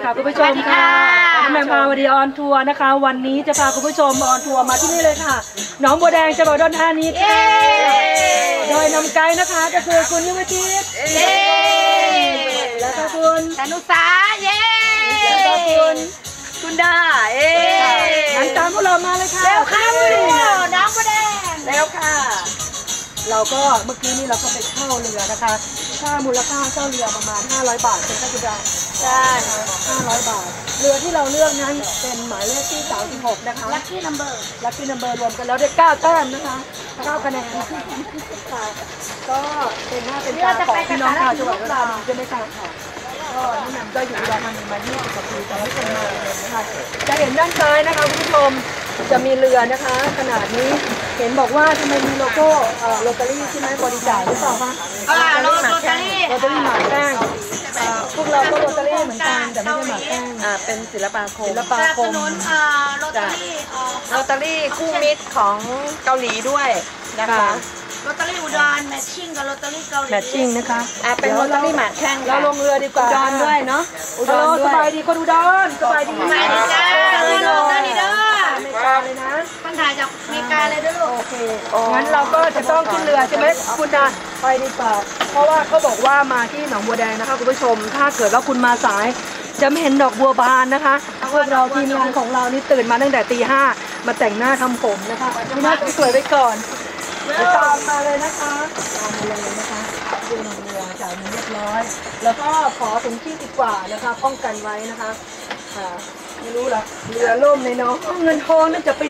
ค่ะคุณผู้ชมค่ะน้ำแมงพาวดีออนทัวร์นะคะวันนี้จะพาคุณผู้ชมออนทัวร์มาที่นี่เลยค่ะหนองบัวแดงจังหวัดอุดรธานีค่ะโดยนำไกด์นะคะก็คือคุณยุวจิตแล้วก็คุณธนุสาแล้วก็คุณดางั้นตามพวกเรามาเลยค่ะเร็วค่ะน้องบัวแดงเร็วค่ะเราก็เมื่อกี้นี้เราก็ไปเช่าเรือนะคะค่ามูลค่าเช่าเรือประมาณ500 บาทเป็นค่าจุดาใช่500 บาทเรือที่เราเลือกนั้นเป็นหมายเลขที่36นะคะลัคกี้นัมเบอร์รวมกันแล้วได้9 แต้มนะคะ9 คะแนนค่ะก็เป็นหน้าเป็นตาของพี่น้องชาวจังหวัดอุดรธานีใช่ไหมคะก็นี่นำก็อยู่อุดรธานีมา20 กว่าปีแต่ไม่เคยมาเลยนะคะจะเห็นด้านซ้ายนะคะคุณผู้ชมจะมีเรือนะคะขนาดนี้เห็นบอกว่าทำไมมีโลโก้โรตารี่ใช่ไหมบริจาคหรือเปล่าคะโรตารี่หมากแป้งพวกเราก็โรตารี่เหมือนกันแต่ไม่ใช่หมากแป้งเป็นศิลปาคมสนับสนุนโรตารี่คู่มิตรของเกาหลีด้วยนะคะโรตารี่อุดรแมทชิ่งกับโรตารี่เกาหลีแมทชิ่งนะคะเป็นโรตารี่หมากแข้งเราลงเรือดีกว่าอุดรด้วยเนาะอุดรสบายดีคนอุดรสบายดีจ้าโรตารี่เด้ออเมริกาเลยนะคนถ่ายจากอเมริกาเลยด้วยโอเคงั้นเราก็จะต้องขึ้นเรือใช่ไหมคุณนะไปดีกว่าเพราะว่าเขาบอกว่ามาที่หนองบัวแดงนะคะคุณผู้ชมถ้าเกิดว่าคุณมาสายจะไม่เห็นดอกบัวบานนะคะพวกเราทีมงานของเรานี่ตื่นมาตั้งแต่ตี 5มาแต่งหน้าทำผมนะคะพี่น่าสวยไว้ก่อนตามมาเลยนะคะตามมาเลยนะคะดูหนองบัวจ่ายเงินเรียบร้อยแล้วก็ขอถุงที่ดีกว่านะคะป้องกันไว้นะคะไม่รู้ละเรือล่มในน้องเงินทองนั่นจะไป